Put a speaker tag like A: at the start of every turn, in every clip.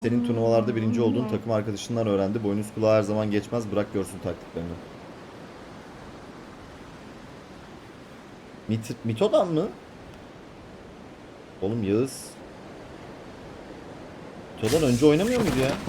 A: Senin turnuvalarda birinci olduğun takım arkadaşından öğrendi. Boynuz kulağı her zaman geçmez. Bırak görsün taktiklerini. Mito'dan mı? Oğlum Yağız. Mito'dan önce oynamıyor muydu ya?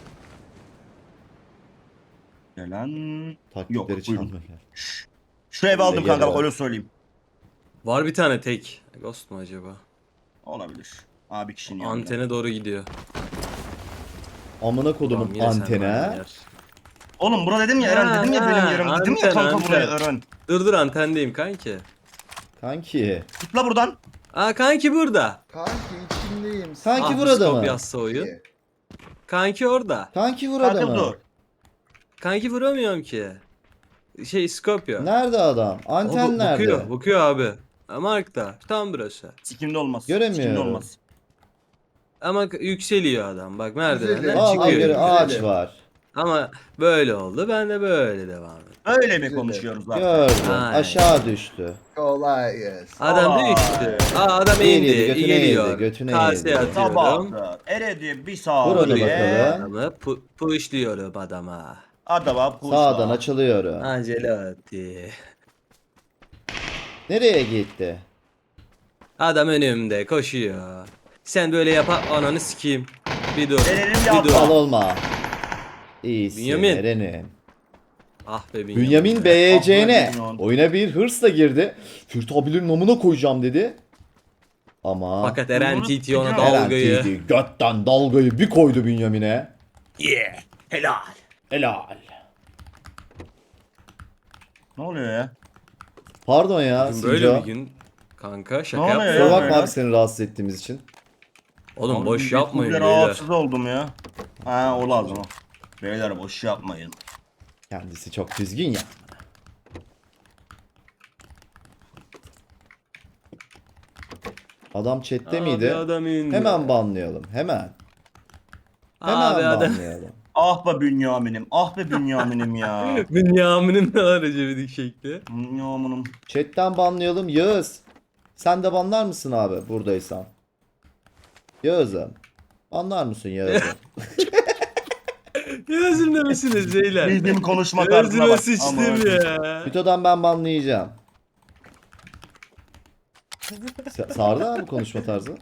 B: Gelen yok.
A: Taktikleri
B: Buyurun.
A: çalmıyor.
B: Şu evi aldım
A: Geliyor.
B: kanka, bak öyle söyleyeyim.
C: Var bir tane tek. Ghost mu acaba?
B: Olabilir. Abi kişinin yanında.
C: Antene doğru gidiyor.
A: Amına kodumun
C: Tamam, yine sen
A: antene.
C: aynı yer.
B: Oğlum bura dedim ya Eren, dedim ya benim yerim. Dedim ya
C: anten,
B: kanka buraya
C: anten.
B: Eren.
C: Dur antendeyim kanki.
A: Kanki.
B: Tıkla buradan.
C: Aa kanki burada.
D: Kanki içindeyim.
A: Kanki
C: Ah,
A: burada
C: skop
A: mı?
C: yazsa oyun. Kanki orada.
A: Kanki burada
B: Kanka
A: mı?
B: dur.
C: Kanki vuramıyorum ki. Skopya.
A: Nerede adam? Anten nerede?
C: Bakıyor abi. Mark'ta. Tam burası.
B: Sikimde olmaz.
A: Göremiyorum.
B: Sikimde olmaz.
C: Ama yükseliyor adam. Bak merdivenden
D: Güzel.
A: Aa,
C: çıkıyor.
A: göre ağaç
D: güzel.
A: var.
C: Ama böyle oldu. Ben de böyle devam ettim.
B: Öyle mi
D: Güzel.
B: konuşuyoruz abi?
A: Gördüm.
C: Aynen.
A: Aşağı düştü.
D: Kolay gelsin.
C: Adam
B: Aa.
C: düştü. Adam
A: Yedi,
C: indi.
A: götüne
C: Geliyor.
A: yedi, götüne
C: Kaseye
A: yedi.
C: atıyorum.
B: Sabahtır. Eredi bir saat.
A: Vur onu
B: diye
A: bakalım.
C: Adamı pushluyorum adama.
B: Adama puşla.
A: Sağdan açılıyorum.
C: Ancelotti.
A: Nereye gitti?
C: Adam önümde koşuyor. Sen böyle yapar ananı sikeyim. Bir dur.
B: Verelim
C: Bir
B: yapma.
C: dur.
A: Al olma. İyisin
C: Bünyamin.
A: Eren'im.
C: Ah be
A: Bünyamin
C: be.
A: BYC'ne
B: Bünyamin.
A: oyuna bir hırsla girdi. Fürt abilerin namına koyacağım dedi. Ama
C: Fakat Eren
B: Bunu
C: TT ona
B: sikeceğim.
A: Eren
C: dalgayı.
A: TT götten dalgayı bir koydu Bünyamin'e.
C: Yeah. Helal.
A: Helal.
B: Ne oluyor ya?
A: Pardon ya
C: Bugün böyle
A: Sinco.
C: bir gün kanka şaka
B: Ne oluyor
C: yapma.
B: ya?
A: Kusura bakma
B: Beyler.
A: abi seni rahatsız ettiğimiz için.
C: Oğlum
B: Abi,
C: boş
B: bir
C: yapmayın
B: kere
C: beyler.
B: rahatsız oldum ya. Ha o lazım o. Beyler boş yapmayın.
A: Kendisi çok düzgün ya. Adam chatte
C: Abi
A: miydi?
C: adam indi.
A: Hemen banlayalım. Hemen. Hemen
C: Abi adam.
A: banlayalım.
B: Ah be Bünyamin'im. Ah be Bünyamin'im ya.
C: Bünyamin'in ne var acebedik şekli.
B: Bünyamin'im.
A: Chatten banlayalım. Yağız. Sen de banlar mısın abi buradaysan? Yağız'ım. Banlar mısın Yağız'ım?
C: Yazımda mısınız beyler?
B: Bildiğim konuşma tarzına
C: Yazıma
B: bak.
C: sıçtım
B: Ama-
C: ya.
A: Mito'dan ben banlayacağım. Sardı abi konuşma tarzı.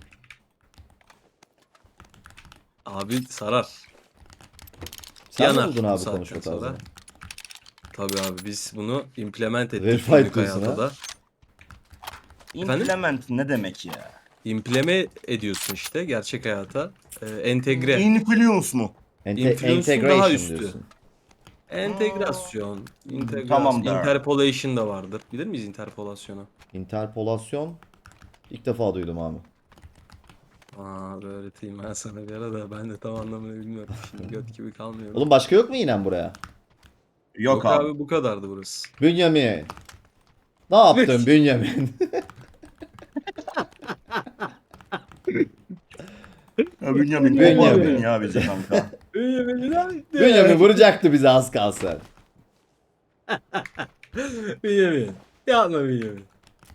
C: Abi sarar.
A: Sen mi
C: Yanar
A: buldun
C: bu
A: abi
C: saatten
A: konuşma
C: sonra.
A: tarzını?
C: Tabii abi biz bunu implement ettik
A: Verified
C: günlük
A: diyorsun
C: hayatta
A: ha?
C: da. Efendim?
B: Implement ne demek ya?
C: İmpleme ediyorsun işte gerçek hayata. Entegre.
B: Influence mu?
C: Influence'un
A: Integration
C: daha üstü.
A: diyorsun.
C: Entegrasyon. Integrasyon.
B: Tamamdır.
C: Interpolation da vardır. Bilir miyiz interpolasyonu?
A: Interpolasyon. İlk defa duydum abi.
C: Aa öğreteyim ben sana bir ara da ben de tam anlamını bilmiyorum. Şimdi göt gibi kalmıyorum.
A: Oğlum başka yok mu inen buraya?
B: Yok,
C: Yok
B: abi.
C: abi bu kadardı burası.
A: Bünyamin. Ne yaptın Bünyamin?
B: Ya Bünyamin.
A: Bünyamin.
B: Bünyamin ya bizi kanka.
A: Bünyamin vuracaktı bizi az kalsın.
C: Bünyamin. Yapma Bünyamin.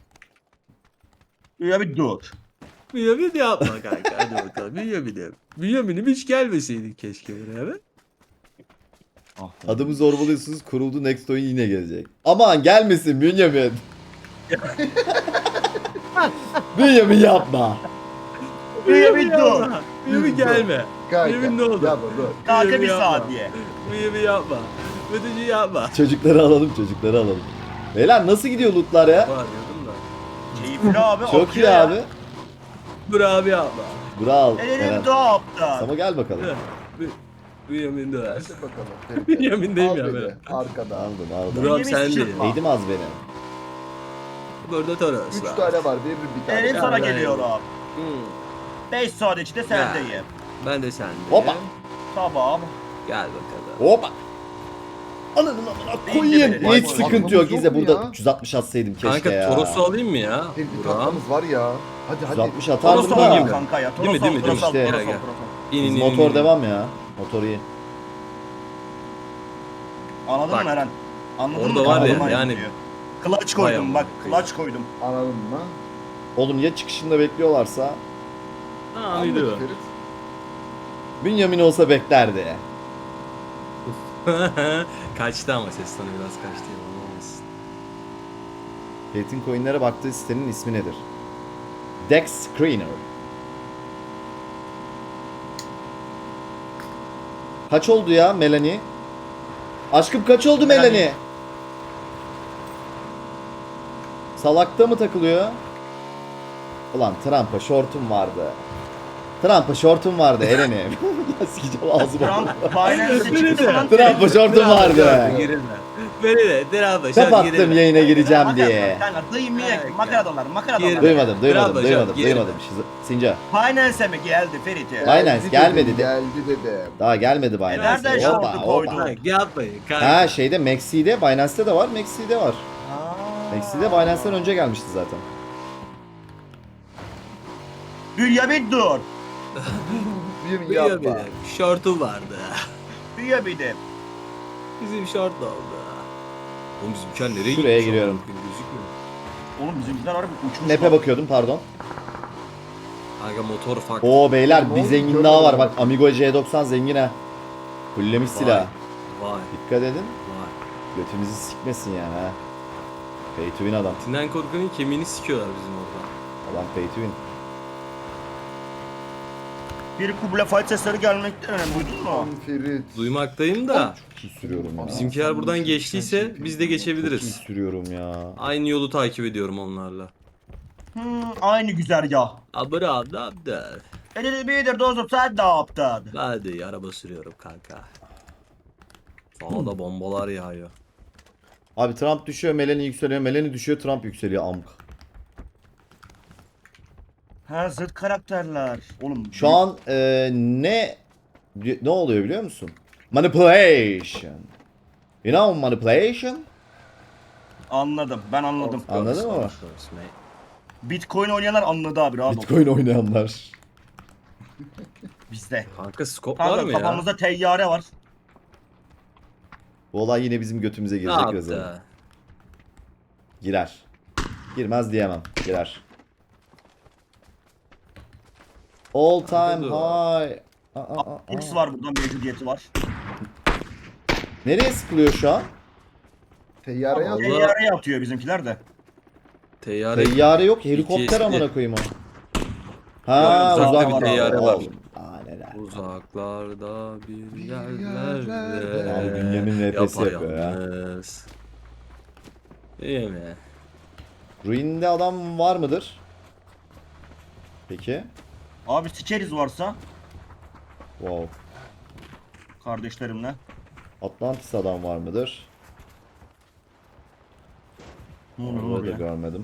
B: Ya bir dur.
C: Bünyamin yapma kanka. Hadi bakalım. Bünyamin'im hiç gelmeseydik keşke buraya be.
B: Ah,
A: Adımı zorbalıyorsunuz kuruldu next oyun yine gelecek. Aman gelmesin Bünyamin. Bünyamin yapma.
B: Bünyamin dur.
C: yapma. Bünyamin gelme.
D: Kanka.
C: Bünyamin ne oldu?
D: Yapma dur.
B: Kanka
C: Bünyamin
B: bir
C: yapma.
B: saat diye.
C: Bünyamin yapma. Ötücü yapma.
A: Çocukları alalım çocukları alalım. Beyler nasıl gidiyor lootlar ya?
C: Bağırıyordum da.
B: Keyifli abi.
A: Çok
B: akıyor
A: iyi
B: ya.
A: abi.
C: Dur abi yapma.
A: Bravo.
B: Ellerim
A: Eren.
B: dağıttı.
A: Sama gel bakalım.
C: Bünyamin de ver.
D: Hadi bakalım.
C: Bünyamin'deyim
D: Al
C: ya
D: beni,
C: ben.
D: Arkada.
A: Aldım
C: Dur
A: aldım.
C: abi
B: Bünyamin
C: sen değil.
B: sıçratma.
A: Neydim az beni.
C: Burada Toros
D: 3
C: var.
D: tane var. Veririm bir tane.
B: Benim sana
C: Aynen.
B: geliyorum.
C: Hmm.
B: 5 saat içinde sendeyim.
C: Ben de sendeyim.
A: Hoppa.
B: Tamam.
C: Gel bakalım.
A: Hoppa. Ananın amına
B: Değil
A: koyayım.
B: de
A: Hiç
B: benim.
A: sıkıntı yok.
D: Aklımız yok
A: İzle
D: mu
A: burada
D: ya?
A: 360 atsaydım keşke
C: Kanka
A: ya.
C: Toros'u alayım mı ya?
D: Bir
C: Buram.
D: tatlımız var ya. Hadi hadi.
A: 360 atardım
B: Toros
A: da.
B: alayım kanka ya.
C: Değil mi, değil mi,
B: Toros al,
A: değil mi?
B: Toros al,
C: İşte.
B: Toros al.
C: İn,
A: Biz
C: in, in,
A: motor
C: in.
A: devam ya. Motor iyi.
B: Anladın
C: Bak.
B: mı Eren? Anladın
C: Orada
B: mı?
C: var ya,
B: Anladın
C: yani-
B: mı? Clutch
C: Vay
B: koydum bak.
C: amına
B: Clutch koydum.
D: Anladın mı?
A: Oğlum ya çıkışında bekliyorlarsa.
C: Tamam
D: Anladık
C: gidiyor.
D: Ferit.
A: Bünyamin olsa beklerdi.
C: Kaçtı ama ses tonu biraz kaçtı. Yalan olmasın.
A: Ferit'in coinlere baktığı sitenin ismi nedir? Dex Screener. Kaç oldu ya Melanie? Aşkım kaç oldu Melanie? Salakta mı takılıyor? Ulan Trump'a şortum vardı. Trump'a şortum vardı Eren'i. Ya sikeceğim ağzıma.
B: Trump Binance'e
C: Beni
B: çıktı
C: de.
B: falan.
A: Trump'a şortum vardı.
C: Beni de. Drabba
A: Kapattım yayına gireceğim diye.
B: Kanka dıyımıya makara dolar makara dolar.
A: Duymadım.
C: Bravo, girme.
A: Sinca.
B: Binance'e mi geldi Ferit?
A: Binance gelmedi de.
D: Geldi dedim.
A: Daha gelmedi Binance.
B: Nereden
A: Hoppa,
B: şortu
A: hoppa.
B: koydun?
C: Yapmayın kanka.
A: Ha şeyde Maxi'de, Binance'te de var, Maxi'de var. Maxi'de Binance'den önce gelmişti zaten.
B: Bünyamin dur.
D: Bir
C: Biliyor
D: yapma.
C: benim. Şortum vardı.
B: Bünyamin'im.
C: Bizim şort da oldu. Oğlum bizimkiler nereye gitti?
A: Şuraya giriyorum.
C: Gözükmüyor.
B: Oğlum bizimkiler harbi uçmuş.
A: Map'e bakıyordum pardon.
C: Aga motor fark.
A: Oo beyler bir
D: Ne
A: zengin
D: oldu?
A: daha var bak Amigo C90 zengin ha. Fullemiş
C: Vay.
A: silah.
C: Vay
A: Dikkat edin.
C: vay.
A: Götünüzü sikmesin yani ha. Pay to win adam.
C: Tinden korkanın kemiğini sikiyorlar bizim orada.
A: Adam pay to win.
B: Bir kuble fight sesleri gelmekte önemli. Duydun mu?
D: Ferit.
C: Duymaktayım da.
A: Çok iyi sürüyorum ya.
C: Bizimkiler buradan geçtiyse biz de
A: Çok iyi
C: geçebiliriz.
A: sürüyorum ya.
C: Aynı yolu takip ediyorum onlarla.
B: Aynı güzergah.
C: Abra abda.
B: Elini bilir dostum sen ne yaptın?
C: Hadi araba sürüyorum kanka. Sağda bombalar yağıyor.
A: Abi Trump düşüyor, Melanie yükseliyor, Melanie düşüyor, Trump yükseliyor amk.
B: Ha zıt karakterler. Oğlum
A: Şu an ne oluyor biliyor musun? Manipulation. You know manipulation?
B: anladım. Ben anladım.
A: Anladın mı?
C: Of course, mate.
B: Bitcoin oynayanlar anladı abi rahat ol.
A: Bitcoin oynayanlar.
B: Bizde.
C: Kanka scope var
B: Kanka
C: mı ya?
B: kafamızda teyyare var.
A: Bu olay yine bizim götümüze
C: Ne
A: girecek birazdan.
C: yaptı?
A: Girer. Girmez diyemem. Girer. All time
C: Dur.
A: high.
B: X var burada mevcudiyeti var.
A: Nereye sıkılıyor şu an?
D: Teyyareye
C: Allah.
D: at.
B: Teyyareye atıyor bizimkiler de.
C: Teyyare.
A: Teyyare yok. Helikopter
C: PTSD.
A: amına koyayım o. Ha
C: Uzakta
A: uzak
C: bir
A: bir
C: teyyare
A: teyyare
C: var.
A: var. Aa neler.
C: Uzaklarda bir
D: yerlerde.
C: yerlerde.
A: Abi Bünyamin RP'si yapıyor ya.
C: yapayalnız. İyi mi?
A: Ruin'de adam var mıdır? Peki.
B: Abi sikeriz varsa
A: Wow.
B: kardeşlerimle.
A: Atlantis adam var mıdır?
B: Ne olur
A: Onu da
B: oraya.
A: görmedim.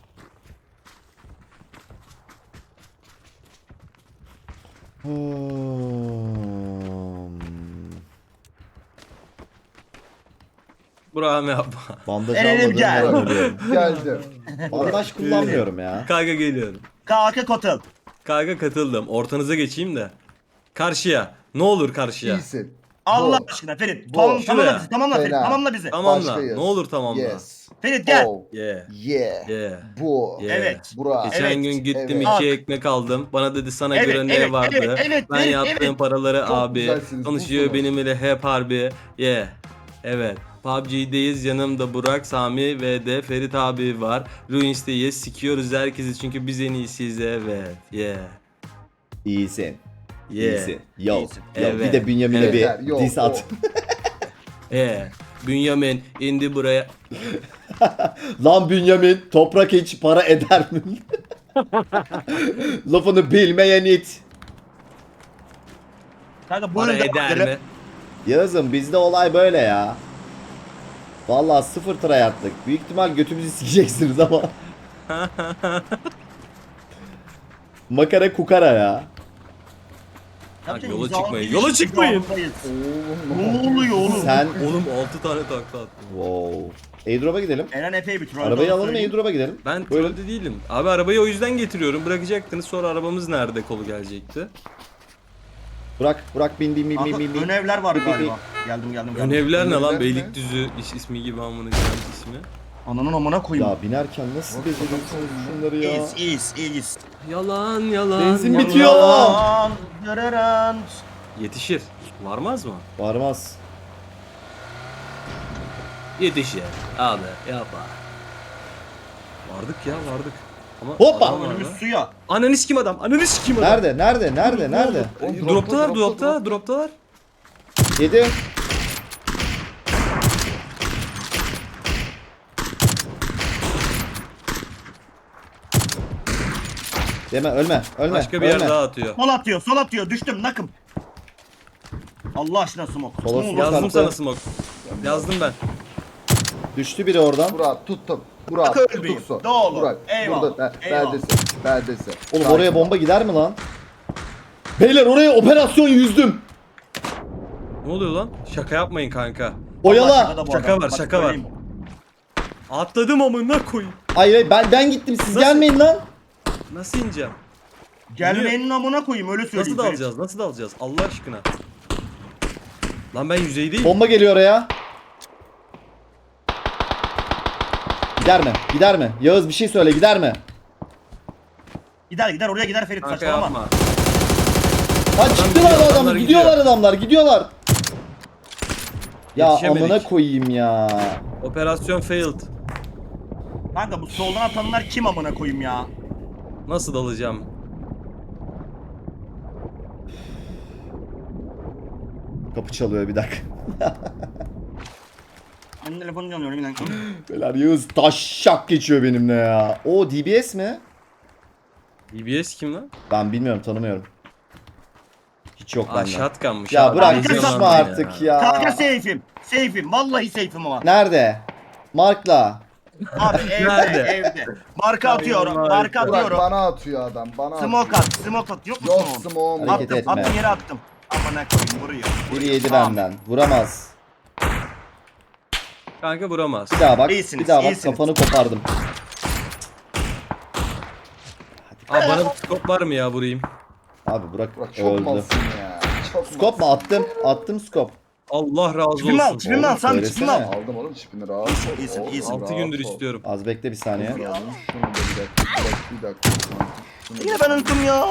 C: Burak'ım yapma.
A: Bandaj
B: Erenim
A: almadığım
B: gel.
A: yerden ölüyorum.
D: Geldi.
A: Bandaj kullanmıyorum ya.
C: Kanka geliyorum.
B: Kalka katıl.
C: Kanka katıldım. Ortanıza geçeyim de. Karşıya. Ne olur karşıya.
D: İyisin.
B: Allah
D: Bu.
B: aşkına Ferit.
D: Bu.
B: Tamamla
C: Şuraya.
B: bizi. Tamamla Ferit.
D: Fena.
B: Tamamla bizi.
C: Tamamla.
D: Başkayız.
C: Ne olur tamamla.
D: Yes.
B: Ferit gel.
D: Oh.
C: Yeah.
D: Yeah.
C: Yeah.
D: Bu.
C: Yeah.
B: Evet.
D: Burak.
C: Geçen
B: Evet,
C: gün gittim
D: evet.
C: iki ekmek aldım. Bana dedi sana
B: Evet,
C: göre ne
B: evet,
C: vardı.
B: evet,
C: Ben
B: evet,
C: yaptığım
B: evet.
C: paraları
D: Çok
C: abi.
D: güzelsiniz,
C: Konuşuyor
D: busunuz.
C: benimle hep harbi. Yeah. Evet. PUBG'deyiz. Yanımda Burak, Sami ve de Ferit abi var. Ruins'teyiz. Sikiyoruz herkesi çünkü biz en iyisiyiz. Evet. Yeah.
A: İyisin.
C: Yeah.
A: İyisin. Yo.
B: İyisin.
A: Yo.
C: Evet.
A: Bir de Bünyamin'e
D: Evet.
A: bir
D: Yo,
A: diss at.
C: Yeah. Bünyamin indi buraya.
A: Lan Bünyamin toprak hiç para eder mi? Lafını bilmeyen it.
B: Kanka
C: Para
B: buyurun
C: eder
B: devam
C: mi?
A: Yazın bizde olay böyle ya. Vallahi sıfır try attık. Büyük ihtimal götümüzü sikeceksiniz ama. Makara kukara ya.
C: Bak,
B: Yapacak
C: yola
B: imzalı
C: çıkmayın,
B: bir
C: yola
B: iş
C: çıkmayın.
B: imzalıyız.
D: Oğlum.
B: Ne oluyor oğlum?
A: Sen
C: Oğlum 6 tane takla attım.
A: wow. Airdrop'a gidelim.
B: Eren Efe'yi bir troll.
A: Arabayı
B: daha
A: alalım
B: söyleyeyim.
A: airdrop'a gidelim.
C: Ben
A: Buyurun.
C: trollde değilim. Abi arabayı o yüzden getiriyorum. Bırakacaktınız sonra arabamız nerede kolu gelecekti.
A: Burak bin bin bin bin
B: Kanka,
A: bin bin.
B: ön evler var
A: Bin, bin,
B: galiba. Geldim.
C: Önevler ne lan?
D: Önevler ne?
C: Beylikdüzü ismi gibi amına koyayım ismi.
B: Ananın amına koyayım.
A: Ya binerken nasıl beceriyorsunuz şunları ya?
B: İyiyiz.
C: Yalan yalan.
A: Benzin
C: yalan.
A: bitiyor.
B: Yalan, yararan.
C: Yetişir. Varmaz mı?
A: Varmaz.
C: Yetişir. Abi yapma. Vardık ya vardık. Ama
A: Hoppa!
C: adam var
B: Önümüz
C: lan.
B: suya.
C: Ananı sikim adam. Ananı sikim adam.
A: Nerede?
D: Oğlum,
C: Droptalar.
A: Yedi. Deme ölme.
C: Başka bir yer daha atıyor.
B: Sol atıyor. Düştüm nakım. Allah aşkına smoke.
A: Sola
B: Smoke.
A: smoke.
C: Yazdım
A: attı.
C: sana smoke. Yazdım ben.
A: Düştü biri oradan.
D: Burak tuttum. Burak
B: Bak ölmeyeyim.
D: tutuksun.
B: Ne olur.
D: Burak
B: Eyvallah,
D: burada
B: eyvallah.
D: beldesin.
A: Oğlum
D: Sakin
A: oraya
D: ol.
A: bomba gider mi lan? Beyler oraya operasyon yüzdüm.
C: Ne oluyor lan? Şaka yapmayın kanka.
A: Oyala.
B: Şaka
C: Şaka var, şaka var. Atladım amına koyayım.
A: Hayır ben gittim siz
C: Nasıl?
A: gelmeyin lan.
C: Nasıl ineceğim?
B: Gelmeyenin amına koyayım öyle söyleyeyim.
C: Nasıl dalacağız? Allah aşkına. Lan ben yüzeydeyim.
A: Bomba geliyor oraya. Gider mi? Yağız bir şey söyle gider mi?
B: Gider oraya gider Ferit
C: Kanka
B: saçmalama.
C: yapma.
A: Ha çıktılar
C: gidiyor,
A: adam
C: adamlar
A: gidiyorlar adamlar gidiyorlar. Ya
C: Yetişemedik.
A: amına koyayım ya.
C: Operasyon failed.
B: Kanka bu soldan atanlar kim amına koyayım ya?
C: Nasıl dalacağım?
A: Kapı çalıyor bir dakika.
B: Ben telefonu çalıyorum bir dakika.
A: Beyler Yağız taşşak geçiyor benimle ya. O DBS mi?
C: DBS kim lan?
A: Ben bilmiyorum tanımıyorum. Hiç yok
C: Aa
A: bende.
C: shotgunmuş.
A: Ya
C: abi.
A: bırak
B: Kanka,
A: sıçma
B: yalan
A: artık ya.
B: Kanka safe'im. Vallahi safe'im ama.
A: Nerede? Markla.
B: Abi
C: Nerede?
B: evde. Marka atıyorum. Marka
D: Burak
B: atıyorum.
D: bana atıyor adam. Bana
B: Smoke
D: atıyor.
B: Smoke at. Yok mu
D: Yok
B: smoke?
D: smoke.
A: Hareket
B: Attım.
A: etme.
B: Attım yere attım. Amına koyayım vuruyor.
A: Biri yedi
B: Tamam.
A: benden. Vuramaz.
C: Kanka vuramaz.
A: Bir daha bak.
B: İyisiniz,
A: bir daha bak
B: iyisiniz.
A: kafanı kopardım.
C: Aa bana bir scope var mı ya vurayım?
A: Abi Burak
D: Burak çok
A: öldü.
D: malsın ya. Çok
A: Skop mu attım? Attım skop.
C: Allah razı
B: Çipimi al,
C: olsun.
B: çipimi al
A: Oğlum,
B: Sami, çipimi al.
A: söylesene.
D: Aldım oğlum çipini rahat
B: İyisin,
D: ol.
B: iyisin.
C: 6 gündür istiyorum.
A: Az bekle bir saniye.
D: Şunu da bir dakika. Şunu
B: Yine ben unuttum ya.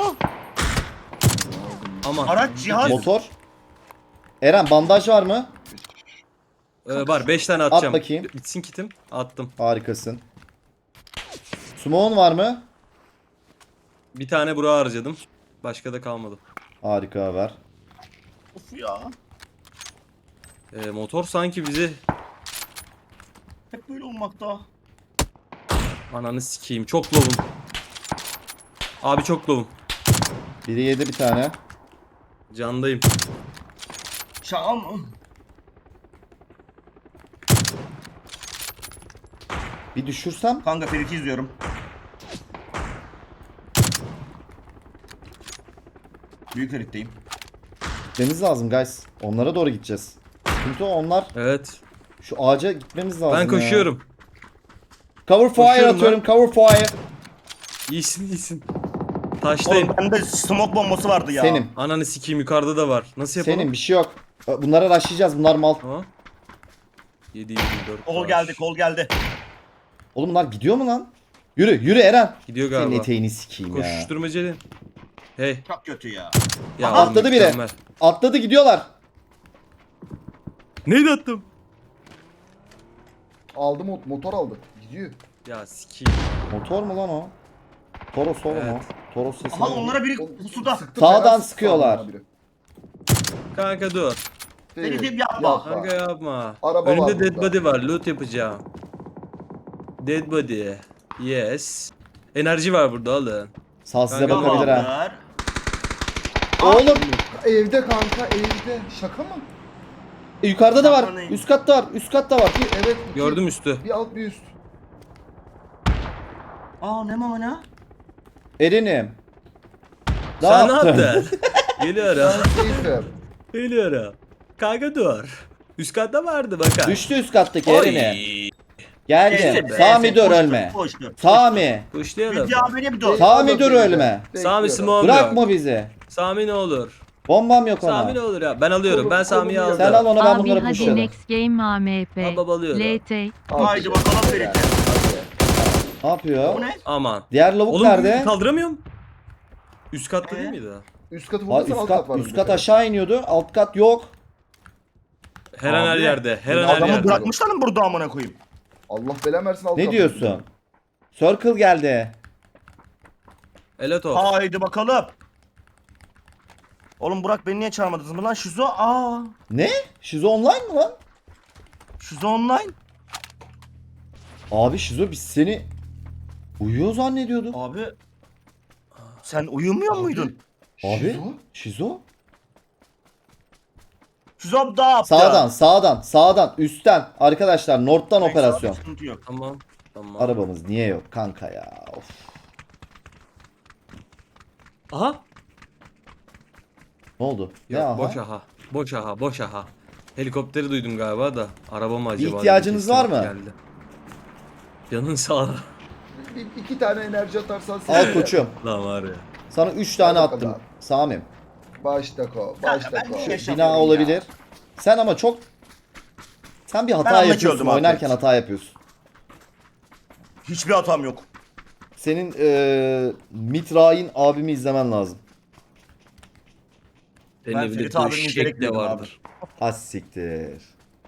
C: Aman.
B: Araç cihaz.
A: Motor. Eren bandaj var mı?
C: Var 5 tane atacağım.
A: bakayım.
C: Bitsin kitim. Attım.
A: Harikasın. Smoke'un var mı?
C: Bir tane bura harcadım. Başka da kalmadı.
A: Harika ver.
B: Of ya.
C: Motor sanki bizi
B: Hep böyle olmakta.
C: ananı sikeyim. Çok lovum. Abi çok lovum.
A: Biri yedi bir tane.
C: Candayım.
B: Şam.
A: Bir düşürsem.
B: Kanka Ferit'i izliyorum. Büyük Ferit'teyim.
A: Gitmemiz lazım guys. Onlara doğru gideceğiz. Çünkü onlar
C: Evet.
A: şu ağaca gitmemiz lazım
C: Ben
A: ya.
C: koşuyorum.
A: Cover fire
C: Koşuyorum
A: atıyorum. Cover fire.
C: İyisin. Taştayım.
B: Oğlum bende smoke bombası vardı ya.
A: Senin.
C: Ananı sikeyim yukarıda da var. Nasıl yapalım?
A: Senin bir şey yok. Bunlara rushlayacağız. Bunlar mal.
C: Ha? 724.
B: Kol geldi, kol geldi.
A: Oğlum bunlar gidiyor mu lan? Yürü Eren.
C: Gidiyor
A: Senin
C: galiba.
A: eteğini sikeyim ya.
C: Koşuşturmacı. Hey.
B: Çok kötü ya.
C: Ya
A: Aha, atladı biri.
C: mükemmel.
A: Atladı gidiyorlar.
C: Neydi attım?
D: Aldım motor aldı. Gidiyor.
C: Ya sikeyim.
A: Motor mu lan o? Toros oğlum
C: Evet.
A: o. Toros sesi.
B: Aha onlara biri pusuda.
D: Sıktı,
A: Sağdan
D: fena sıktı
A: sıkıyorlar.
D: bana biri.
C: Kanka dur.
B: Ferit'im yapma.
C: Kanka yapma.
D: Araba
C: Önümde
D: var
C: dead
D: burada.
C: body var. Loot yapacağım. Dead body. Yes. Enerji var burada alın.
A: Sağ size
C: Kanka,
A: bakabilir ha.
B: Tamamdır.
A: Oğlum
D: Evde kanka evde. Şaka mı?
A: yukarıda da var.
B: Aman
A: Üst katta var. Üst katta var.
D: Evet. iki-
C: Gördüm üstü.
D: Bir alt bir üst.
B: Aa ne mama ne?
A: Eren'im.
C: Sen ne yaptın? Geliyorum.
D: Seyfer.
C: Geliyorum. Kanka dur. Üst katta vardı bakar.
A: Düştü üst kattaki
C: Oy.
A: Eren'im. Geldim.
B: Neyse,
A: Sami
B: neyse,
A: dur
B: koştu,
A: ölme.
B: koştu.
A: Sami.
C: Kuşlayalım.
B: Bizi abine bir dur.
A: Sami dur ölme.
C: Sami
D: Bekliyorum.
C: Simon
A: Bırakma
C: yok.
A: bizi.
C: Sami ne olur.
A: Bombam yok ona.
C: Sami ne olur ya. Ben alıyorum. Ben Sami'yi
D: Kolunu
C: aldım.
A: Sen al onu ben
E: Abi
A: bunları
E: hadi
A: pushlarım.
E: next game AMP.
C: Baba alıyorum.
E: LT.
B: Haydi bakalım Ferit'e.
A: Ne yapıyor?
B: Bu ne?
C: Aman.
A: Diğer lavuk
C: Oğlum
A: nerede?
C: kaldıramıyorum. Üst katta değil miydi?
D: Üst katı
A: Ha,
D: vurmasan
A: üst
D: alt
A: kat,
D: kat var.
A: üst kat aşağı iniyordu. Alt kat yok.
C: Her an her
B: Abi,
C: yerde. Her an her
B: Adamı
C: yerde.
B: bırakmışlar mı burada amına koyayım?
D: Allah belanı versin alt
A: Ne
D: kat.
A: diyorsun? Circle geldi.
C: Elato.
B: Haydi bakalım. Oğlum Burak beni niye çağırmadınız mı lan? Şizo
A: Ne? Şizo online mı lan?
B: Şizo online.
A: Abi Şizo biz seni uyuyor zannediyorduk.
B: Abi. Sen uyumuyor muydun?
A: Abi
D: Şizo?
A: Şizo?
B: Şizo da yaptı.
A: Sağdan, üstten. Arkadaşlar North'tan
B: Neyse,
A: operasyon.
B: sıkıntı yok.
C: Tamam. Tamam.
A: Arabamız niye yok kanka ya? Of.
C: Aha.
A: Ne oldu? Ne
C: Yok
A: aha?
C: boş aha. Boş aha. Boş aha. Helikopteri duydum galiba da. Araba mı acaba?
A: ihtiyacınız
C: diye
A: var mı?
C: geldi. Canın sağ ol.
D: İki tane enerji atarsan
A: Al koçum.
C: Lan var ya.
A: Sana 3 tane
D: Al
A: attım.
D: bakalım.
A: Sami'm.
D: Başta ko.
B: Kanka,
D: Başta
B: ben
D: ko.
B: niye
A: Bina
B: yaşamıyorum
A: olabilir.
B: ya?
A: Sen ama çok... Sen bir hata
B: Ben anlık
A: yapıyorsun.
B: öldüm
A: Oynarken
B: artık.
A: hata yapıyorsun.
B: Hiçbir hatam yok.
A: Senin Mitrain abimi izlemen lazım.
C: Senin
B: Ben
C: evinde
B: Ferit abinin
C: döşek
B: izleyerek
C: de
B: büyüdüm abi.
C: vardır.
A: Az siktir.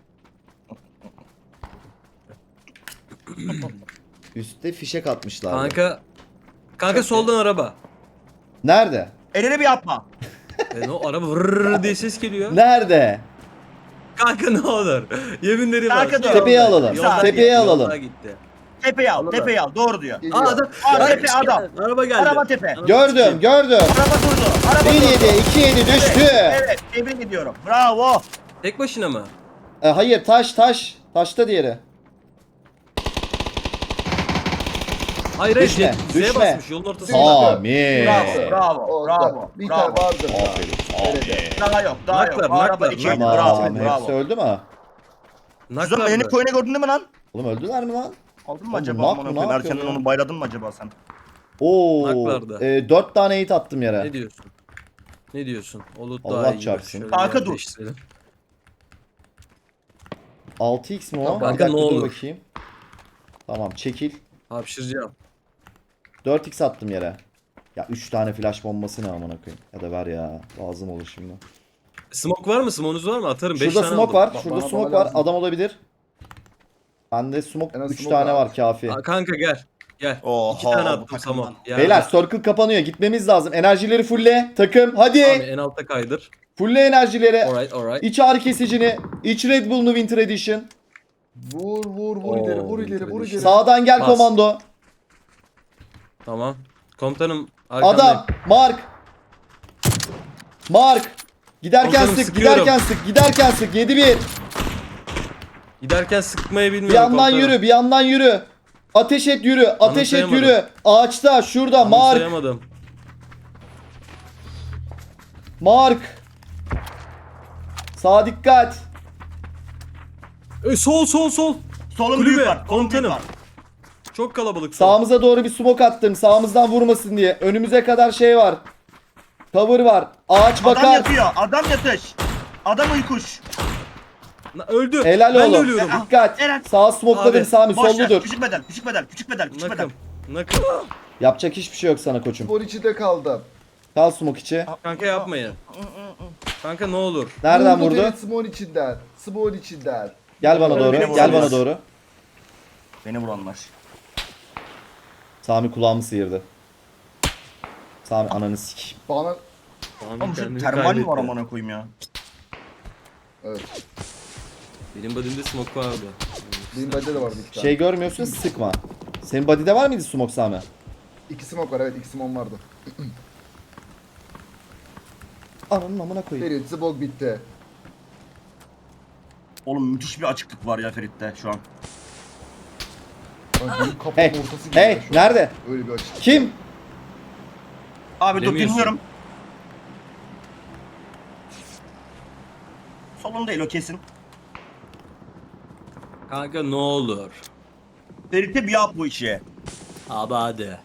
A: Üstte fişek atmışlar.
C: Kanka. Kanka soldan araba.
A: Nerede?
B: Elini bir yapma.
C: O araba vırrrr diye ses geliyor.
A: Nerede?
C: Kanka ne olur. Yeminleri var.
B: Kanka dur.
A: Tepeye alalım.
B: Yolda-
A: Tepeye alalım.
C: Yolda gitti.
B: Tepeyi al,
C: Anladım.
B: tepeyi al. Doğru diyor.
D: Geliyor.
C: Aa adam.
B: Aa,
C: Ay,
B: tepe adam.
C: Araba geldi.
B: Araba tepe.
A: Gördüm.
B: Araba durdu. Araba
A: 1
B: durdu.
A: 7 2 7 düştü.
B: Evet, tebrik ediyorum. Bravo.
C: Tek başına mı?
A: Hayır taş. Taşta diğeri.
C: Hayır
A: Düşme,
C: Z'ye
A: düşme.
C: basmış yolun ortasında.
A: Sami.
B: Bravo, bravo,
D: Orada.
B: bravo.
D: Bir tane
B: Bravo.
D: vardır.
A: Aferin.
D: Nerede?
B: Daha yok, daha yok.
C: Naklar,
B: Araba
C: naklar,
B: iki.
C: naklar.
B: Bravo,
A: Tamam. Hepsi
B: bravo.
A: öldü mü?
B: Şizo beni koyuna gördün değil mi lan?
A: Oğlum öldüler mi lan?
B: Aldın mı
A: Oğlum,
B: acaba?
A: nak
B: Aman
A: mı,
B: okuyayım.
A: ne yapıyor
B: Erkenden
A: ya?
B: onu bayladın mı acaba sen?
A: Oo.
C: Naklardı.
A: 4 tane hit attım yere.
C: Ne diyorsun? Ne diyorsun? Olur
A: Allah
C: daha iyi.
A: çarpsın.
C: Şöyle
B: Kanka
C: bir
B: dur.
C: değiştirelim.
A: 6x mi o?
C: Kanka
A: Bir dakika
C: ne
A: dur
C: olur.
A: bakayım. Tamam çekil.
C: Hapşıracağım.
A: 4x attım yere. Ya 3 tane flash bombası ne amına koyayım. Ya da ver ya. Lazım olur şimdi.
C: Smoke var mı? Smoke'unuz var mı? Atarım. 5
A: Şurada
C: tane
A: smoke
C: aldım.
A: var. Şurada
D: bana
A: smoke var.
D: lazım.
A: Adam olabilir. Bende smoke
D: En az
A: 3
D: smoke
A: tane
D: var.
A: var kafi.
C: Aa, kanka gel. Gel.
B: Oha,
C: 2 tane
B: bu
C: attım
B: takımdan.
C: Samo. Ya,
A: Beyler circle kapanıyor. Gitmemiz lazım. Enerjileri fulle. Takım hadi.
C: Abi en altta kaydır.
A: Fulle enerjileri.
C: Alright.
A: İç ağrı kesicini. İç Red Bull'unu Winter Edition.
D: Vur
C: Oo,
D: ileri vur ileri vur ileri.
A: Sağdan gel
C: Bas.
A: komando.
C: Tamam. Komutanım arkamdayım.
A: Adam. Mark. Giderken
C: Komutanım,
A: sık.
C: sıkıyorum.
A: Giderken sık. 7-1.
C: Giderken sıkmayı
A: Bir
C: bilmiyorum
A: yandan
C: komutanım.
A: yürü. Bir yandan yürü. Ateş et yürü. Ateş et
C: Anımsayamadım.
A: yürü. Ağaçta. Şurada. Mark.
C: Anımsayamadım.
A: Mark. Sağa dikkat.
C: Sol.
B: Solun
C: Kulübe,
B: büyük var. Solun büyük
C: komutanım.
B: var.
C: Çok kalabalık. sol.
A: Sağımıza doğru bir smoke attım. Sağımızdan vurmasın diye. Önümüze kadar şey var. Cover var. Ağaç
B: Adam
A: bakar.
B: yatıyor. Adam yatış. Adam uykuş.
C: Öldü.
A: Helal
C: ben de
A: oğlum.
C: ölüyorum.
A: Dikkat.
B: Eren.
A: Sağa smokeladım
C: Abi,
A: Sami.
B: Boş ver.
A: Solludur.
B: Küçük bedel. Küçük bedel. Küçük bedel. Küçük bedel.
C: Nakım.
A: Yapacak hiçbir şey yok sana koçum.
D: Spor içinde kaldım.
A: Kal smoke içi.
C: Kanka yapmayın. Kanka ne olur.
A: Nereden vurdu?
D: Ferit Smon içinden. Smon içinden.
A: Gel bana doğru.
B: Beni
A: Gel bana
B: vuramaz.
A: doğru.
B: Beni vuranlar.
A: Sami kulağımı sıyırdı. Sami ananı sik.
D: Bana
B: Oğlum şu termal mi var amına koyayım ya?
D: evet.
C: Benim bodymde smoke vardı.
D: Benim bende de vardı iki tane.
A: Şey görmüyorsun sıkma. Senin body'de var mıydı smoke Sami?
D: İki smoke var evet iki smoke vardı.
A: Ananın amına koyayım.
D: Ferit smoke bitti.
B: Oğlum müthiş bir açıklık var ya Ferit'te şu an.
D: Lan benim kapının
A: Hey.
D: ortası gibi
A: Hey.
D: ya şu an.
A: Nerede?
D: Öyle bir açık.
A: Kim?
B: Abi dur
C: Bilemiyorsun.
B: dinliyorum. Solun değil o kesin.
C: Kanka ne olur.
B: Ferit'e bir yap bu işi.
C: Abi hadi.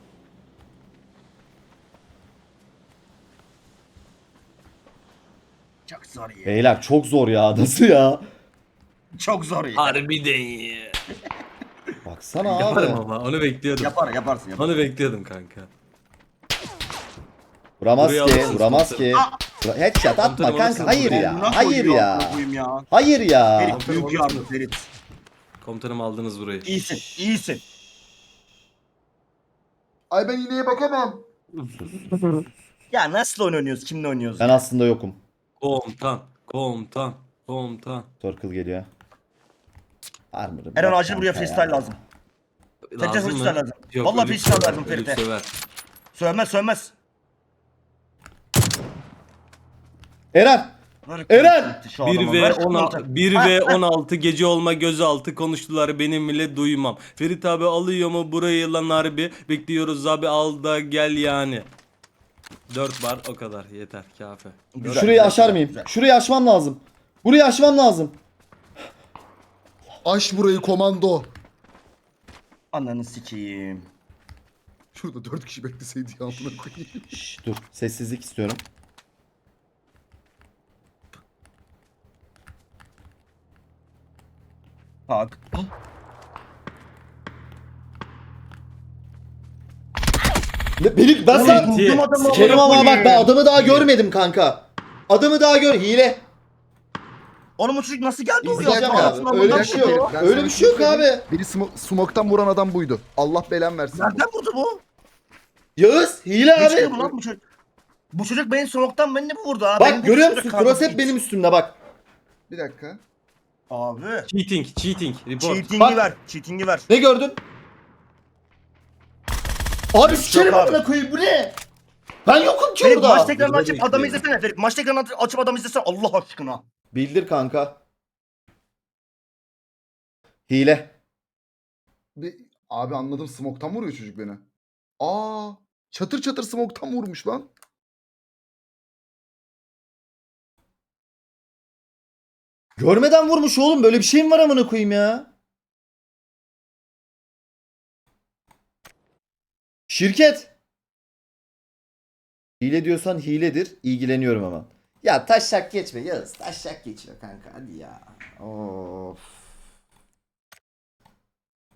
B: Çok zor ya.
A: Beyler çok zor ya. Nasıl ya?
B: Çok zor ya.
C: Harbiden iyi.
A: Baksana
C: Yaparım
A: abi.
C: ama onu bekliyordum.
B: Yaparsın.
C: Onu bekliyordum kanka.
A: Vuramaz
C: Buraya
A: ki,
C: alırsınız
A: vuramaz
C: komutanım.
A: ki. Headshot atma
C: Komutanım
A: kanka.
C: alırsınız
A: Hayır
C: buraya.
A: ya.
B: Amına
A: Hayır
B: koyuyor,
A: ya.
B: amına koyayım ya.
A: Hayır ya.
B: Ferit büyük yardım Ferit.
C: Komutanım aldınız burayı.
B: İyisin, iyisin.
D: Ay ben iğneye bakamam.
B: Ya nasıl oynuyoruz? Kimle oynuyoruz?
A: Ben
B: ya?
A: aslında yokum.
C: Komutan.
A: Circle geliyor. Armor'ı
B: Eren
A: bırak
B: acil buraya
A: kanka
B: freestyle
A: ya.
B: lazım. Ferit'e
C: Lazım
B: freestyle
C: mı?
B: lazım.
C: Yok,
B: Vallahi
C: ölüp
B: freestyle
C: söver,
B: lazım
C: ölüp
B: Ferit'e.
C: söver.
B: Sövmez sövmez.
A: Eren!
B: Böyle
A: Eren!
B: gitti şu
C: 1
B: adama.
C: ve
B: Ver şu
C: 16
B: komutanı.
C: 1
B: Ha,
C: ve
B: ha.
C: 16 gece olma gözaltı konuştular benim bile duymam. Ferit abi alıyor mu burayı lan harbi? Bekliyoruz abi al da gel yani. 4 bar o kadar yeter kafi.
B: Güzel,
A: Şurayı
B: güzel,
A: aşar
B: güzel,
A: mıyım?
B: güzel.
A: Şurayı aşmam lazım. Burayı aşmam lazım.
D: Aş burayı komando.
B: Ananı sikeyim.
D: Şurada 4 kişi bekleseydi ya amına koyayım.
A: Şş, dur. Sessizlik istiyorum.
B: Bak.
A: Ben
B: Oğlum,
A: sana...
B: buldum adamı,
A: Sikerim
B: amına
A: ama bak ben
B: koyayım.
A: adamı daha görmedim kanka. Adamı daha gör. Hile.
B: Oğlum bu çocuk nasıl geldi oraya?
A: İzleyeceğim
B: Anasını
A: abi. Öyle
B: amına
A: bir şey yok.
B: koydu.
D: Ben
A: Öyle
D: sana
A: bir şey yok
D: söyleyeyim.
A: abi.
D: Biri smoke'tan vuran adam buydu. Allah belan versin.
B: Nereden vurdu bu?
A: Yağız hile
B: Hiç
A: abi.
B: bu lan bu çocuk. Bu çocuk benim smoke'tan beni mi vurdu abi?
A: Bak görüyor musun? Cross hep benim üstümde bak.
D: Bir dakika.
B: Abi.
C: Cheating report.
B: Cheating'i
A: Bak.
B: ver. Cheating'i ver.
A: Ne gördün? Abi sikerim
B: abi.
A: amına koyayım bu ne? Ben yokum ki
B: Ferit maç
A: orada.
B: tekrarını
C: Burada
B: açıp adamı
C: bekliyorum.
B: izlesene Ferit. Maç tekrarını açıp adamı izlesene Allah aşkına.
A: Bildir kanka. Hile.
D: Abi anladım, smoke'tan vuruyor çocuk beni. Aa, çatır çatır smoke'tan vurmuş lan.
A: Görmeden vurmuş oğlum. Böyle bir şey mi var amına koyayım ya? Şirket. Hile diyorsan hiledir. İlgileniyorum hemen. Ya taşak geçme Yağız. Taşak geçme kanka hadi ya. Of.